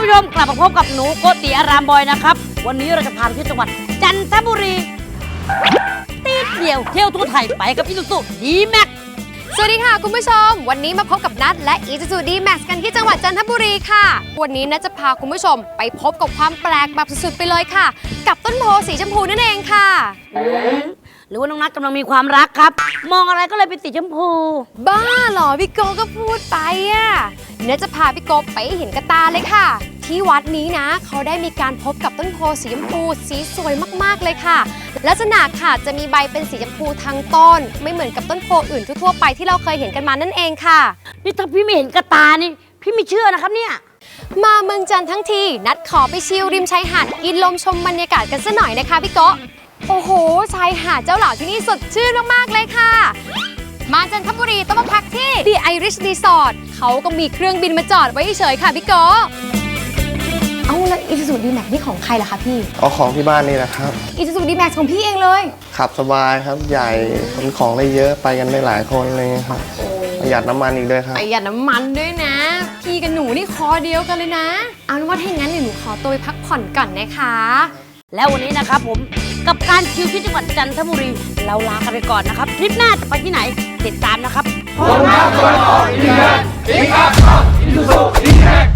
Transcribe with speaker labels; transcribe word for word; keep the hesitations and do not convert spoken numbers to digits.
Speaker 1: ผู้ชมกลับมาพบกับหนูโกติอารามบอยนะครับวันนี้เราจะพาไปที่จังหวัดจันทบุรีตีเดียวเที่ยวทั่วไทยไปกับอีซูซูดีแม็ก
Speaker 2: สวัสดีค่ะคุณผู้ชมวันนี้มาพบกับนัทและอีซูซูดีแม็กกันที่จังหวัดจันทบุรีค่ะวันนี้นัทจะพาคุณผู้ชมไปพบกับความแปลกแบบสุดๆไปเลยค่ะกับต้นโพสีชมพูนั่นเองค่ะ
Speaker 1: หรือว่าน้องนัทกำลังมีความรักครับมองอะไรก็เลยเป็นสีชมพู
Speaker 2: บ้าเหรอพี่โกก็พูดไปอ่ะนัทจะพาพี่โกไปเห็นกระตาเลยค่ะที่วัดนี้นะเขาได้มีการพบกับต้นโพสีชมพูสีสวยมากๆเลยค่ะลักษณะค่ะจะมีใบเป็นสีชมพูทั้งต้นไม่เหมือนกับต้นโพอื่นทั่วๆไปที่เราเคยเห็นกันมานั่นเองค่ะ
Speaker 1: นี่ถ้าพี่ไม่เห็นกระตานี่พี่ไม่เชื่อนะครับเนี่ย
Speaker 2: มาเมืองจันทร์ทั้งทีนัดขอไปชิลริมชายหาดกินลมชมบรรยากาศกันซะหน่อยนะคะพี่โกโอ้โหชายหาดเจ้าหล่าที่นี่สดชื่นมากๆเลยค่ะมาจันทบุรีต้องมาพักที่ The Irish Resort เขาก็มีเครื่องบินมาจอดไว้เฉยๆค่ะพี่โกเอาแล้วอีซูซูดีแม็กนี่ของใครล่ะคะพี่
Speaker 3: เอาของที่บ้านนี่นะครับ
Speaker 2: อีซูซูดีแม็กของพี่เองเลย
Speaker 3: ขับสบายครับใหญ่ขนของได้เยอะไปกันได้หลายคนเลยครับประหยัดน้ำมันอีกด้วยครับ
Speaker 2: ประหยัดน้ำมันด้วยนะพี่กับหนูนี่คอเดียวกันเลยนะเอาเป็นว่าถ้าอย่างนั้นเดี๋ยวหนูขอตัวไปพักผ่อนก่อนนะคะ
Speaker 1: แล้ววันนี้นะครับผมกับการชิลที่จังหวัดจันทบุรีเราลากันไปก่อนนะครับทริปหน้าจะไปที่ไหนติดตามนะครับ
Speaker 4: ผมรักคนออกดีแม็กซ์อีกอัพอีซูซูดีแม็กซ์